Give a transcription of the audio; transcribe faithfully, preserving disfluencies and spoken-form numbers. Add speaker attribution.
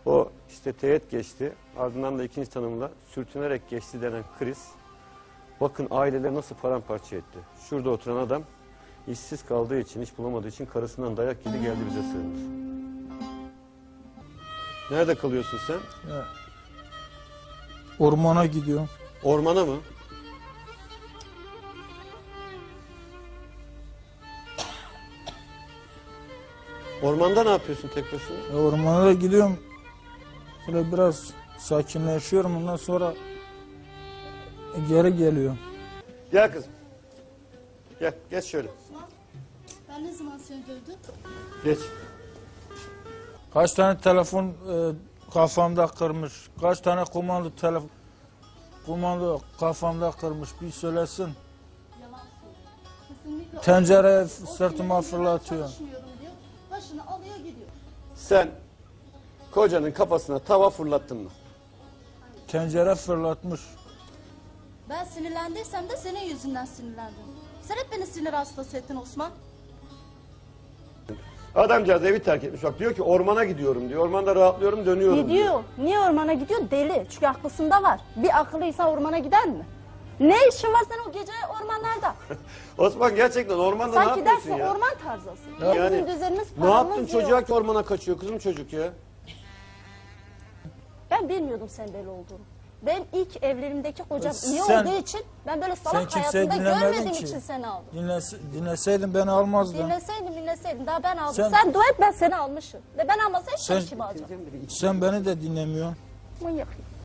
Speaker 1: O işte teğet geçti. Ardından da ikinci tanımla sürtünerek geçti denen kriz. Bakın aileleri nasıl paramparça etti. Şurada oturan adam işsiz kaldığı için, iş bulamadığı için karısından dayak yedi, geldi bize sığındı. Nerede kalıyorsun sen?
Speaker 2: Ya, ormana gidiyorum.
Speaker 1: Ormana mı? Ormanda ne yapıyorsun tek başına?
Speaker 2: Ya, ormana da gidiyorum. Şöyle biraz sakinleşiyorum. Ondan sonra geri geliyorum.
Speaker 1: Gel kızım. Gel, geç şöyle.
Speaker 3: Ben ne zaman seni dövdüm?
Speaker 1: Geç.
Speaker 2: Kaç tane telefon e, kafamda kırmış. Kaç tane kumanda telefon kumanda kafamda kırmış. Bir söylesin.
Speaker 3: Yalan söylüyor. Kesinlikle.
Speaker 2: Tencere
Speaker 3: O
Speaker 2: sırtıma
Speaker 3: sinirleniyor,
Speaker 2: fırlatıyor.
Speaker 3: çalışmıyorum diyor. Başını alıyor gidiyor.
Speaker 1: Sen kocanın kafasına tava fırlattın mı?
Speaker 2: Tencere fırlatmış.
Speaker 3: Ben sinirlendiysem de senin yüzünden sinirlendim. Sen hep beni sinir hastası ettin Osman.
Speaker 1: Adamcağız evi terk etmiş. Bak diyor ki ormana gidiyorum diyor. Ormanda rahatlıyorum, dönüyorum diyor.
Speaker 3: Gidiyor. Niye ormana gidiyor? Deli. Çünkü aklısında var. Bir akıllıysa ormana gider mi? Ne işin var sen o gece ormanlarda?
Speaker 1: Osman gerçekten ormanda ne
Speaker 3: Sanki
Speaker 1: yapıyorsun
Speaker 3: dersin
Speaker 1: ya?
Speaker 3: orman tarzısın.
Speaker 1: Yani
Speaker 3: Bizim düzenimiz
Speaker 1: ne yaptın
Speaker 3: paramız
Speaker 1: çocuğa
Speaker 3: yok.
Speaker 1: ki ormana kaçıyor kızım çocuk ya?
Speaker 3: Ben bilmiyordum sen deli olduğunu. Ben ilk evlerimdeki kocam iyi
Speaker 2: Sen-
Speaker 3: olduğu için ben böyle
Speaker 2: Sen
Speaker 3: salak
Speaker 2: kimseyi
Speaker 3: hayatımda
Speaker 2: dinlemedin
Speaker 3: görmediğim
Speaker 2: ki.
Speaker 3: için seni aldım.
Speaker 2: Dinlese, dinleseydin beni almazdın.
Speaker 3: Dinleseydim dinleseydim daha ben aldım.
Speaker 2: Sen-
Speaker 3: Sen, dua et ben seni almışım. Ve ben almasaydım
Speaker 2: Sen-
Speaker 3: sen kim alacağım?
Speaker 2: Sen beni de dinlemiyorsun.
Speaker 3: Manyak.